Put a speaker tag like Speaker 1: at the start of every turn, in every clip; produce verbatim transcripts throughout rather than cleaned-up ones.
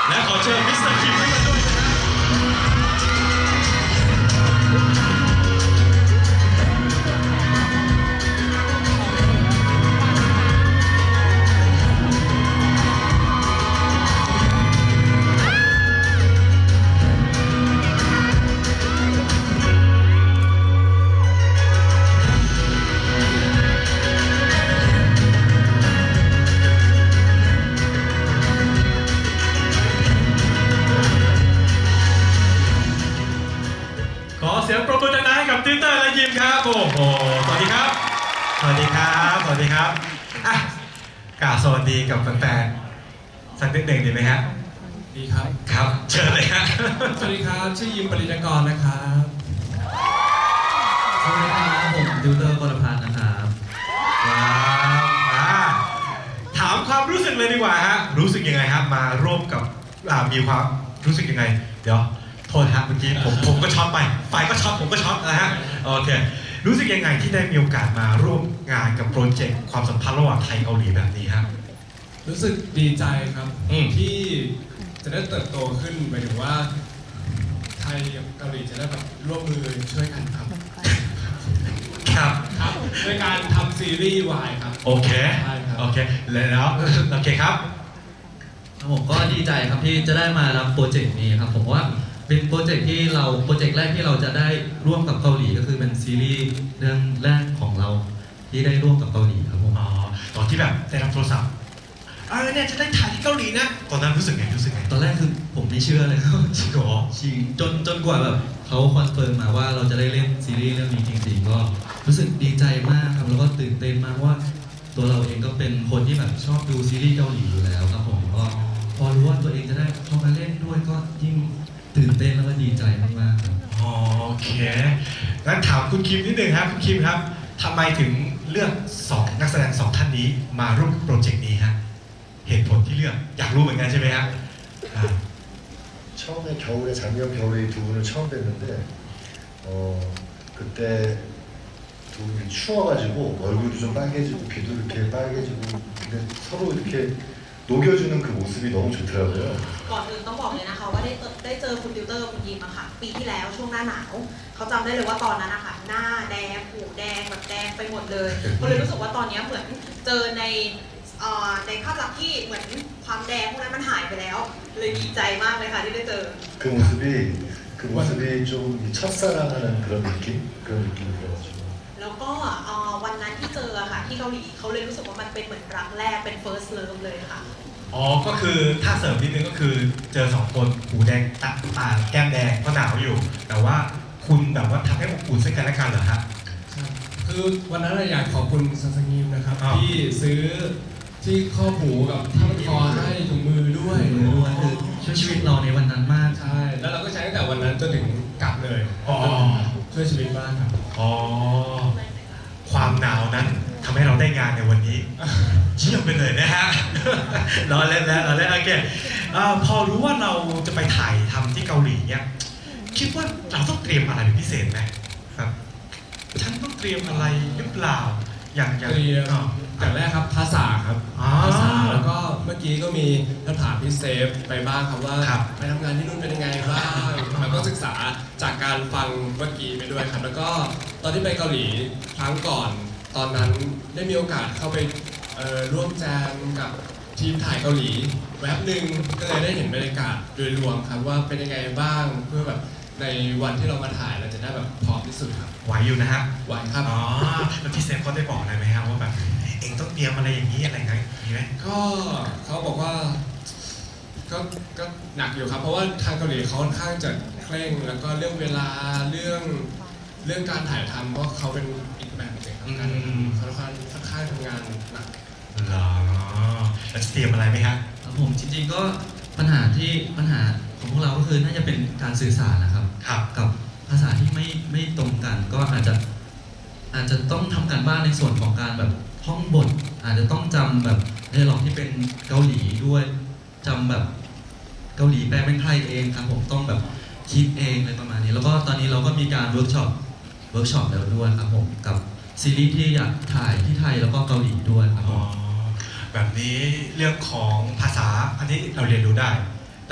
Speaker 1: และขอเชิญมิสเตอร์คิมขึ้นมาด้วยนะครับขอเสียงปรบมือดังๆให้กับติวเตอร์และยิมครับโอ้โหสวัสดีครับสวัสดีครับสวัสดีครับอ่ะกล่าวสวัสดีกับแฟนๆสักนิดหนึ่งดีไหมฮะ
Speaker 2: ดีครับ
Speaker 1: ครับเชิญเลยฮะ
Speaker 2: สวัสดีครับชื่อยิมปริญญากรนะครับ
Speaker 3: สวัสดีครับผมติวเตอร์กรพันธ์นะครับ
Speaker 1: ว้าวอ่าถามความรู้สึกเลยดีกว่าฮะรู้สึกยังไงครับมาร่วมกับอ่ามีความรู้สึกยังไงเดี๋ยวโทษฮะเมื่อกี้ผมผมก็ช็อตไปไฟก็ช็อตผมก็ช็อตนะฮะโอเครู้สึกยังไงที่ได้มีโอกาสมาร่วมงานกับโปรเจกต์ความสัมพันธ์ระหว่างไทยเกาหลีแบบนี้ครับ
Speaker 2: รู้สึกดีใจครับ
Speaker 1: อืม
Speaker 2: ที่จะได้เติบโตขึ้นหมายถึงว่าไทยกับเกาหลีจะได้แบบร่วมมือช่วยกันครับ
Speaker 1: ครับ
Speaker 2: ครับในการทำซีรีส์วายครับ
Speaker 1: โอเค
Speaker 2: ใช่ครับ
Speaker 1: โอเคแล้วโอเคครับ
Speaker 3: ผมก็ดีใจครับที่จะได้มารับโปรเจกต์นี้ครับผมว่าเป็นโปรเจกต์ที่เราโปรเจกต์แรกที่เราจะได้ร่วมกับเกาหลีก็คือเป็นซีรีส์เรื่องแรกของเราที่ได้ร่วมกับเกาหลีครับผม
Speaker 1: อ๋อตอนที่แบบได้รับโทรศัพท์เออเนี่ยจะได้ถ่ายที่เกาหลีนะตอนนั้นรู้สึกไงรู้สึกไง
Speaker 3: ตอนแรกคือผมไม่เชื่อเลยครับ
Speaker 1: จริงเหรอ
Speaker 3: จริงจนจนกว่าแบบเขาคอนเฟิร์มมาว่าเราจะได้เล่นซีรีส์เรื่องนี้จริงๆก็รู้สึกดีใจมากครับแล้วก็ตื่นเต้นมากว่าตัวเราเองก็เป็นคนที่แบบชอบดูซีรีส์เกาหลีอยู่แล้วครับผมก็พอรู้ว่าตัวเองจะได้เข้ามาเล่นด้วยก็ยิ่งตื่นเต้นแล้วก็ดีใจมากๆครับ
Speaker 1: โอเคงั้นถามคุณคิมนิดนึงครับคุณคิมครับทำไมถึงเลือกสองนักแสดงสองท่านนี้มาร่วมโปรเจกต์นี้ฮะเหตุผลที่เลือกอยากรู้เหมือนกันใช่ไหมฮะ
Speaker 4: 처음에 겨울에 작년 겨울에 두 분을 처음 뵀는데 어 그때 두 분이 추워가지고 얼굴도 좀 빨개지고 귀도 이렇게 빨개지고 근데 서로 이렇게 녹여주는 그 모습이 너무 좋더라고요.
Speaker 5: ก่อนอื่นต้องบอกเลยนะคะว่าได้ได้เจอคุณติวเตอร์คุณยิมอะค่ะปีที่แล้วช่วงหน้าหนาวเขาจำได้เลยว่าตอนนั้นอะค่ะหน้าแดงหูแดงแบบแดงไปหมดเลยก็เลยรู้สึกว่าตอนนี้เหมือนเจอในในภาพลักษณ์ที่เหมือนความแดงพวกนั้นมันหายไปแล้วเลยดีใจมากเลยค่ะที่ได้เจอ
Speaker 4: 그 모습이 그 모습이 좀 첫사랑하는 그런 느낌 그런 느낌이 들어가지고
Speaker 5: แล้วก็วันนั้นที่เจอค่ะที่เกาหลีเขาเลยรู้สึกว่ามันเป็นเหมือนรักแรกเป็น first love เลยค่ะ
Speaker 1: อ๋อก็คือถ้าเสริมนิดนึงก็คือเจอสองคนหูแดงตาตาแก้มแดงก็หนาวอยู่แต่ว่าคุณแบบว่าทำให้อบอุ่นซึ่งกันและกันเหรอฮะ
Speaker 2: คือวันนั้นอยากขอบคุณซันซังยิมนะครับที่ซื้อที่ข้อหูกับผ้าพันคอให้ถุงมือด้วย
Speaker 3: ด้วยคือช่วยชีวิตเราในวันนั้นมาก
Speaker 2: ใช่แล้วเราก็ใช้ตั้งแต่วันนั้นจนถึงกลับเลยอ๋อช่วยชีวิตมากครับ
Speaker 1: อ๋อความหนาวนั้นทำให้เราได้งานในวันนี้เยี่ยมไปเลยนะฮะรอเล่นแล้วรอเล่นโอเคพอรู้ว่าเราจะไปถ่ายทำที่เกาหลีเนี่ยคิดว่าเราต้องเตรียมอะไรเป็นพิเศษไหมครับฉันต้องเตรียมอะไรหรือเปล่าอย่างอย่าง
Speaker 2: เตรียมอย่างแรกครับภาษาครับภาษาแล้วก็เมื่อกี้ก็มีคำถามพี่เซฟไปบ้างครับว่าไปทำงานที่นู่นเป็นยังไงบ้างแล้วก็ศึกษาจากการฟังเมื่อกี้ไปด้วยครับแล้วก็ตอนที่ไปเกาหลีครั้งก่อนตอนนั้นได้มีโอกาสเข้าไปร่วมแจมกับทีมถ่ายเกาหลีแวบหนึ่งก็เลยได้เห็นบรรยากาศโดยรวมครับว่าเป็นยังไงบ้างเพื่อแบบในวันที่เรามาถ่ายเราจะได้แบบพร้อมที่สุดครับ
Speaker 1: ไหวอยู่นะฮะ
Speaker 2: ไหวครับ
Speaker 1: อ๋อแล้วพี่เซฟเขาได้บอกอะไรไหมฮะว่าแบบเองต้องเตรียมอะไรอย่างนี้อะไรไงมีไหม
Speaker 2: ก็เขาบอกว่าก็ก็หนักอยู่ครับเพราะว่าทางเกาหลีเขาค่อนข้างจะเคร่งแล้วก็เรื่องเวลาเรื่องเรื่องการถ่ายทำเพราะเขาเป็นอีกแบบหนึ่งครับการเขาค่อนข้างค่อนข้างทำงานหนัก
Speaker 1: เหรอแล้วจะเตรียมอะไรไหมฮะ
Speaker 3: ผมจริงๆก็ปัญหาที่ปัญหาของพวกเราก็คือน่าจะเป็นการสื่อสารนะครับกับภาษาที่ไม่ไม่ตรงกันก็อาจจะอาจจะต้องทำการบ้านในส่วนของการแบบท่องบทอาจจะต้องจำแบบไดอะล็อกที่เป็นเกาหลีด้วยจำแบบเกาหลีแปลเป็นไทยเองครับผมต้องแบบคิดเองอะไรประมาณนี้แล้วก็ตอนนี้เราก็มีการเวิร์กช็อปเวิร์กช็อปแล้วด้วยครับผมกับซีรีส์ที่อยากถ่ายที่ไทยแล้วก็เกาหลีด้วยครับผม
Speaker 1: แบบนี้เรื่องของภาษาอันนี้เราเรียนรู้ได้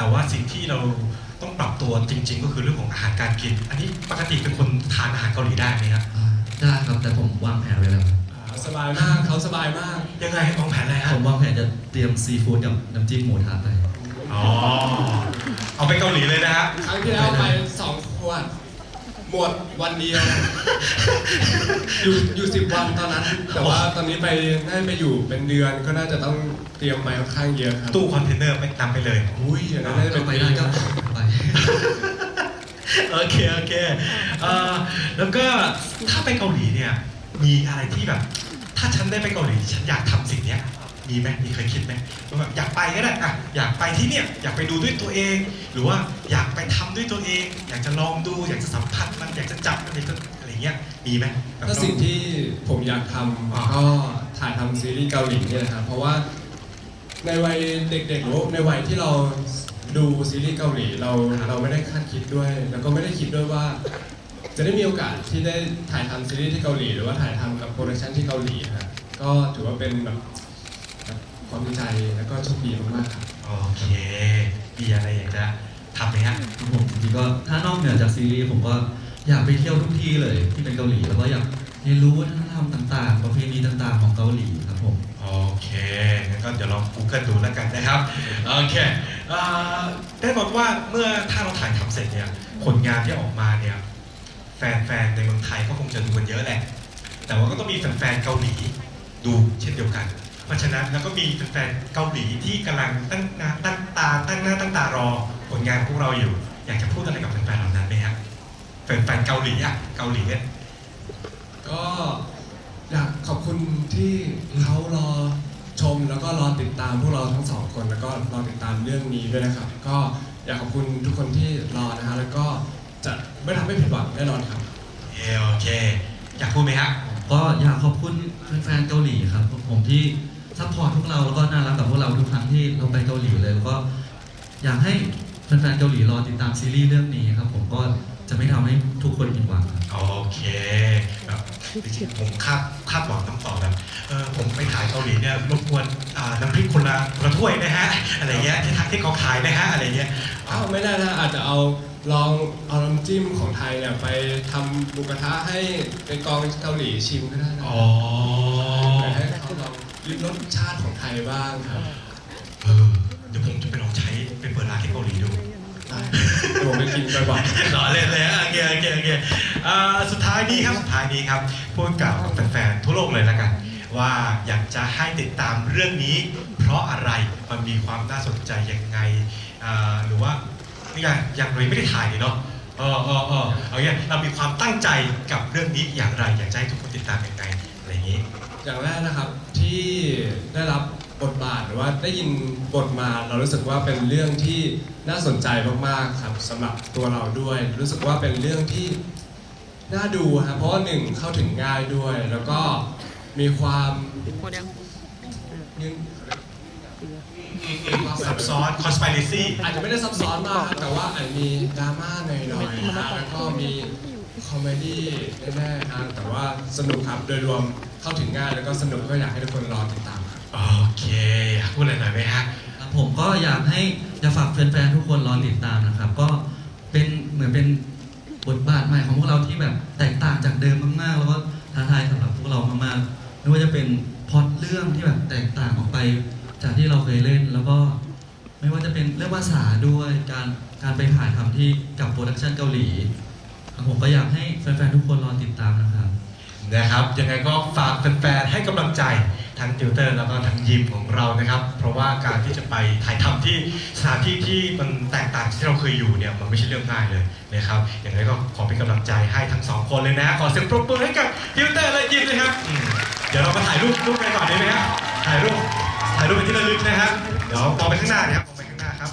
Speaker 1: แต่ว่าสิ่งที่เราต้องปรับตัวจริง ๆ ก็คือเรื่องของอาหารการกิน อันนี้ปกติเป็นคนทานอาหารเกาหลีได้ไหมครับ
Speaker 3: อ่าได้ครับแต่ผมวางแผนไว้แล้วครับ
Speaker 2: อ่าสบายมากเขาสบายมาก
Speaker 1: ยังไงวางแผนอะไรฮะ
Speaker 3: ผมวางแผนจะเตรียมซีฟู้ดกับน้ำจิ้มหมูทะไป
Speaker 1: อ๋อเอาไปเกาหลีเลยนะฮะ
Speaker 2: ครั้งที่แล้วไปสองขวดหมดวันเดียว อยู่อยู่สิบวันตอนนั้น แต่ว่าตอนนี้ไปน่าจะไปอยู่เป็นเดือนก็น่าจะต้องเตรียมไปค่อนข้างเยอะครับ
Speaker 1: ตู้คอนเทนเนอร์ไปนำไปเลย
Speaker 2: อุ้ยอย่างนั้นน่าจะ
Speaker 3: ก็
Speaker 2: เป็น
Speaker 3: ไปได้ก็ไป
Speaker 1: โอเคโอเคเอ่อแล้วก็ถ้าไปเกาหลีเนี่ยมีอะไรที่แบบ ถ้าฉันได้ไปเกาหลีฉันอยากทำสิ่งเนี้ยมีไหมมีเคยคิดไหมว่าแบบอยากไปก็ได้อะอยากไปที่เนี่ยอยากไปดูด้วยตัวเอง หรือว่าอยากไปทำด้วยตัวเอง อยากจะลองดู อยากจะสัมผัสมันอยากจะจับมันอยากจะอะไรเงี้ยมีไหมแบบ
Speaker 2: ก็สิ่งที่ผมอยากทำก็ถ่ายทำซีรีส์เกาหลีเนี่ยนะครับเพราะว่าในวัยเด็กๆหรือว่าในวัยที่เราดูซีรีส์เกาหลีเราเราไม่ได้คาดคิดด้วย แล้วก็ไม่ได้คิดด้วยว่า จะได้มีโอกาสที่ได้ถ่ายทำซีรีส์ที่เกาหลีหรือว่าถ่ายทำกับโปรดักชันที่เกาหลีนะครับก็ถือว่าเป็นแบบความดีใจแล้วก็โชคดีมากๆครับ
Speaker 1: โอเคมีอะไรอยากจะทำไหมฮะ
Speaker 3: ผมจริงๆก็ถ้านอกเหนือจากซีรีส์ผมก็อยากไปเที่ยวทุกที่เลยที่เป็นเกาหลีแล้วก็อยากเรียนรู้วัฒนธรรมต่างๆ ประเพณีต่างๆของเกาหลีครับผม
Speaker 1: โอเคงั้นก็เดี๋ยวลอง Google ดูแล้วกันนะครับ โอเคเอ่อได้บอกว่าเมื่อถ้าเราถ่ายทำเสร็จเนี่ย ผลงานที่ออกมาเนี่ย แฟนๆ ในเมืองไทยก็คงจะดูกันเยอะแหละ แต่ว่าก็ต้องมีแฟนๆ เกาหลีดูเช่นเดียวกัน เพราะฉะนั้นแล้วก็มีแฟนๆ เกาหลีที่กำลังตั้งหน้าตั้งตาตั้งหน้าตั้งตารอผลงานพวกเราอยู่ อยากจะพูดอะไรกับแฟนๆ เหล่านั้นไหมครับแฟนๆ เกาหลีอะเกาหลีเนี่ย
Speaker 2: ก็อยากขอบคุณที่เขารอชมแล้วก็รอติดตามพวกเราทั้งสองคนแล้วก็รอติดตามเรื่องนี้ด้วยนะครับ ก็อยากขอบคุณทุกคนที่รอนะฮะแล้วก็จะไม่ทำให้ผิดหวังแน่นอนครับ
Speaker 1: เอ่อโอเค อยากพูดไหมฮะ
Speaker 3: ก็อยากขอบคุณแฟนๆเกาหลีครับผมที่ซัพพอร์ตพวกเราแล้วก็น่ารักกับพวกเราทุกครั้งที่เราไปเกาหลีเลยแล้วก็อยากให้แฟนๆเกาหลีรอติดตามซีรีส์เรื่องนี้ครับผมก็จะไม่ทำให้ทุกคนผิดหวังครับ
Speaker 1: โอเคแบบจริงๆผมคาดคาดหวังต้องตอบแบบเออผมไปถ่ายเกาหลีเนี่ยรบกวนอ่าน้ำพริกคนละคนละถ้วยนะฮะอะไรเงี้ยที่ทักที่เขาขายนะฮะอะไรเงี้ย
Speaker 2: อ้าวไม่ได้นะอาจจะเอาลองเอาน้ำจิ้มของไทยเนี่ยไปทำหมูกระทะให้เป็นกองเกาหลีชิมก็ได้นะ
Speaker 1: อ๋อ
Speaker 2: ให้เขาลองริมรสชาติของไทยบ้างครับ
Speaker 1: เออเดี๋ยวผมจะไปลองใช้ไปเปิดร้านที่เกาหลีดู
Speaker 2: ได้เดี๋ยวผมไปกินบ่อย
Speaker 1: หล่อเล่นเลยฮะโอเคโอเคโอเคอ่าสุดท้ายนี้ครับสุดท้ายนี้ครับพูดกับแฟนๆทั่วโลกเลยละกัน ว่าอยากจะให้ติดตามเรื่องนี้ เพราะอะไรมันมีความน่าสนใจยังไงอ่าหรือว่าอย่างอย่างเราไม่ได้ถ่ายนี่เนาะเออเออเออเอาอย่างเรามีความตั้งใจกับเรื่องนี้อย่างไร อยากจะให้ทุกคนติดตามยังไงอะไรอย่างนี้
Speaker 2: ๆอย่างแรกนะครับที่ได้รับบทบาทหรือว่าได้ยินบทมาเรารู้สึกว่าเป็นเรื่องที่น่าสนใจมากๆครับสำหรับตัวเราด้วย รู้สึกว่าเป็นเรื่องที่น่าดูครับเพราะว่าหนึ่งเข้าถึงง่ายด้วย แล้วก็มีความยืน
Speaker 1: ซับซ้อน conspiracy
Speaker 2: อาจจะไม่ได้ซับซ้อนมากครับแต่ว่าอาจจะมีดราม่าหน่อยๆนะแล้วก็มีคอมเมดี้แน่ๆครับแต่ว่าสนุกครับโดยรวมเข้าถึงง่ายแล้วก็สนุกก็อยากให้ทุกคนรอติดตามครับ
Speaker 1: โอเคอยากพูดอะไรหน่อยไหมฮะ
Speaker 3: ครับผมก็อยากให้อยากฝากแฟนๆทุกคนรอติดตามนะครับ ก็เป็นเหมือนเป็นบทบาทใหม่ของพวกเราที่แบบแตกต่างจากเดิมมากๆ แล้วก็ท้าทายสำหรับพวกเรามากๆไม่ว่าจะเป็นพล็อตเรื่องที่แบบแตกต่างออกไปจากที่เราเคยเล่น แล้วก็ไม่ว่าจะเป็นเรื่องภาษาด้วยการการไปถ่ายทำที่กับโปรดักชันเกาหลีครับผมก็อยากให้แฟนๆทุกคนรอติดตามนะครับ
Speaker 1: นะครับยังไงก็ฝากแฟนๆให้กำลังใจทั้งติวเตอร์แล้วก็ทั้งยิมของเรานะครับ เพราะว่าการที่จะไปถ่ายทำที่สถานที่ที่มันแตกต่างจากที่เราเคยอยู่เนี่ยมันไม่ใช่เรื่องง่ายเลยนะครับยังไงก็ขอเป็นกำลังใจให้ทั้งสองคนเลยนะขอเสียงปรบมือให้กับติวเตอร์และยิมเลยครับอืมเดี๋ยวเรามาถ่ายรูปรูปกันก่อนได้ไหมครับถ่ายรูปถ่ายรูปเป็นที่ระลึกนะครับเดี๋ยวมองไปข้างหน้านะครับมองไปข้างหน้าครับ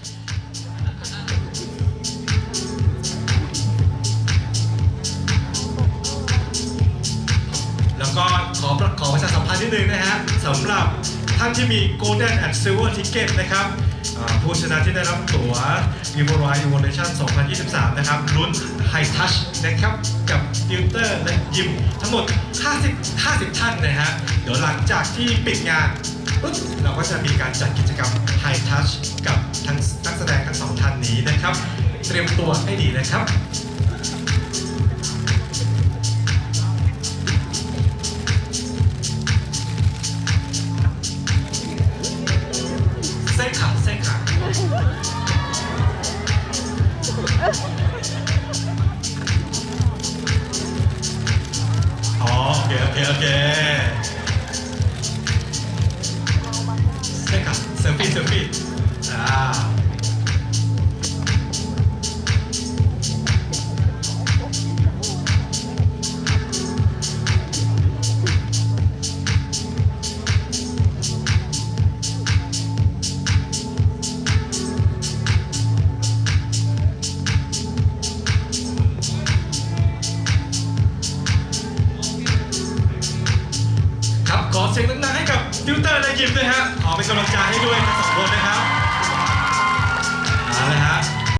Speaker 1: แล้วก็ขอขอประชาสัมพันธ์นิดนึงนะฮะสำหรับท่านที่มี Golden and Silver Ticket นะครับอ่าผู้ชนะที่ได้รับตั๋ว Vivo Ride Evolution สองพันยี่สิบสาม นะครับลุ้น High Touch นะครับกับติวเตอร์และยิมทั้งหมด ห้าสิบ ห้าสิบ ท่านนะฮะเดี๋ยวหลังจากที่ปิดงานปุ๊บเราก็จะมีการจัดกิจกรรม High Touch กับทั้งนักแสดงนะครับเตรียมตัวให้ดีนะครับ